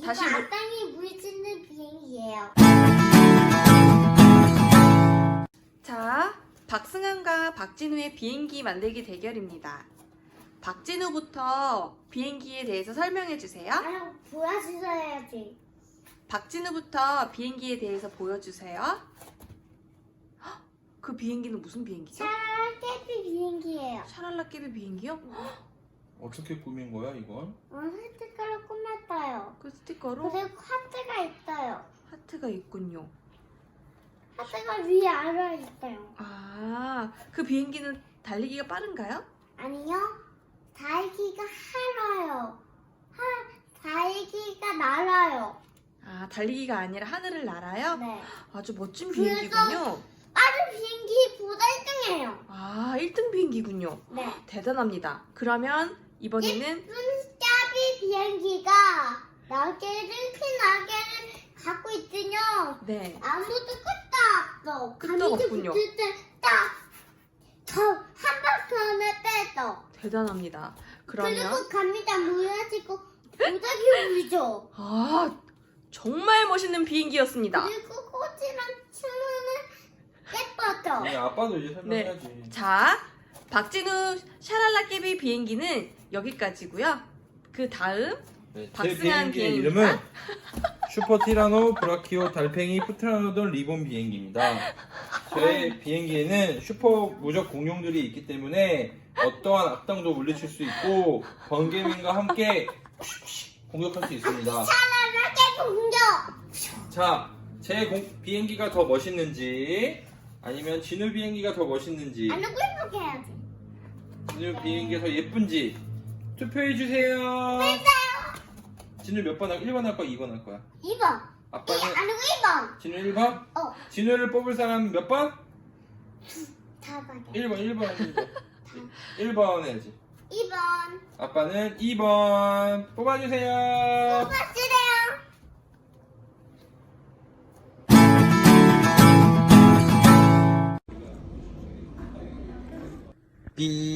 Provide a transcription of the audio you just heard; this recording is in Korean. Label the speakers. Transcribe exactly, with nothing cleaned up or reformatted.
Speaker 1: 다시
Speaker 2: 이거
Speaker 1: 물-
Speaker 2: 악당이 물 짓는 비행기예요.
Speaker 1: 자, 박승환과 박진우의 비행기 만들기 대결입니다. 박진우부터 비행기에 대해서 설명해 주세요.
Speaker 2: 나랑 보여주셔야지.
Speaker 1: 박진우부터 비행기에 대해서 보여주세요. 헉, 그 비행기는 무슨 비행기죠?
Speaker 2: 샤라깨비 비행기예요.
Speaker 1: 샤랄라깨비 비행기요?
Speaker 3: 어떻게 꾸민 거야 이건?
Speaker 2: 어, 스티커로 꾸몄어요.
Speaker 1: 그 스티커로
Speaker 2: 그리고 하트가 있어요.
Speaker 1: 하트가 있군요.
Speaker 2: 하트가 위에 아래 있어요.
Speaker 1: 아, 그 비행기는 달리기가 빠른가요?
Speaker 2: 아니요. 달기가 하러요. 하, 달기가 날아요.
Speaker 1: 아, 달리기가 아니라 하늘을 날아요?
Speaker 2: 네.
Speaker 1: 아주 멋진
Speaker 2: 그래서-
Speaker 1: 비행기군요.
Speaker 2: 빠른 비행기보다 일 등이에요.
Speaker 1: 아, 일 등 비행기군요.
Speaker 2: 네.
Speaker 1: 대단합니다. 그러면 이번에는
Speaker 2: 눈짜비 비행기가 날개를 큰 날개를 갖고 있으며
Speaker 1: 네,
Speaker 2: 아무도 끄떡 없어.
Speaker 1: 끄떡
Speaker 2: 감기
Speaker 1: 없군요.
Speaker 2: 붙을 때딱저한 바퀴 안에 빼서.
Speaker 1: 대단합니다. 그러면
Speaker 2: 그리고 감기가 무너지고 무작위 울죠.
Speaker 1: 아, 정말 멋있는 비행기였습니다.
Speaker 2: 그리고 꽃이랑 춤은 예뻐져.
Speaker 3: 아니 아빠도 이제 설명해야지.
Speaker 1: 자, 박진우 샤랄라깨비 비행기는 여기까지고요. 그 다음
Speaker 3: 네, 제
Speaker 1: 박승환
Speaker 3: 비행기의
Speaker 1: 비행기입니다.
Speaker 3: 이름은 슈퍼 티라노 브라키오 달팽이 프트라노돈 리본 비행기입니다. 제 비행기에는 슈퍼 무적 공룡들이 있기 때문에 어떠한 악당도 물리칠 수 있고 번개맨과 함께 공격할 수 있습니다.
Speaker 2: 샤라라깨 공격.
Speaker 3: 자, 제 공- 비행기가 더 멋있는지 아니면 진우 비행기가 더 멋있는지
Speaker 2: 안 하고 이렇게 해야지.
Speaker 3: 진우 비행기가 더 예쁜지 투표해 주세요. 진우 몇 번 할? 일 번 할 거야, 이 번 할 거야?
Speaker 2: 이 번.
Speaker 3: 아빠는
Speaker 2: 안 하고 일 번.
Speaker 3: 진우 일 번?
Speaker 2: 어.
Speaker 3: 진우를 뽑을 사람 몇 번?
Speaker 2: 다섯개.
Speaker 3: 일 번, 일 번, 일 번. 일 번 해야지.
Speaker 2: 이 번.
Speaker 3: 아빠는 이 번 뽑아주세요.
Speaker 2: 뽑아주세요.
Speaker 3: 삐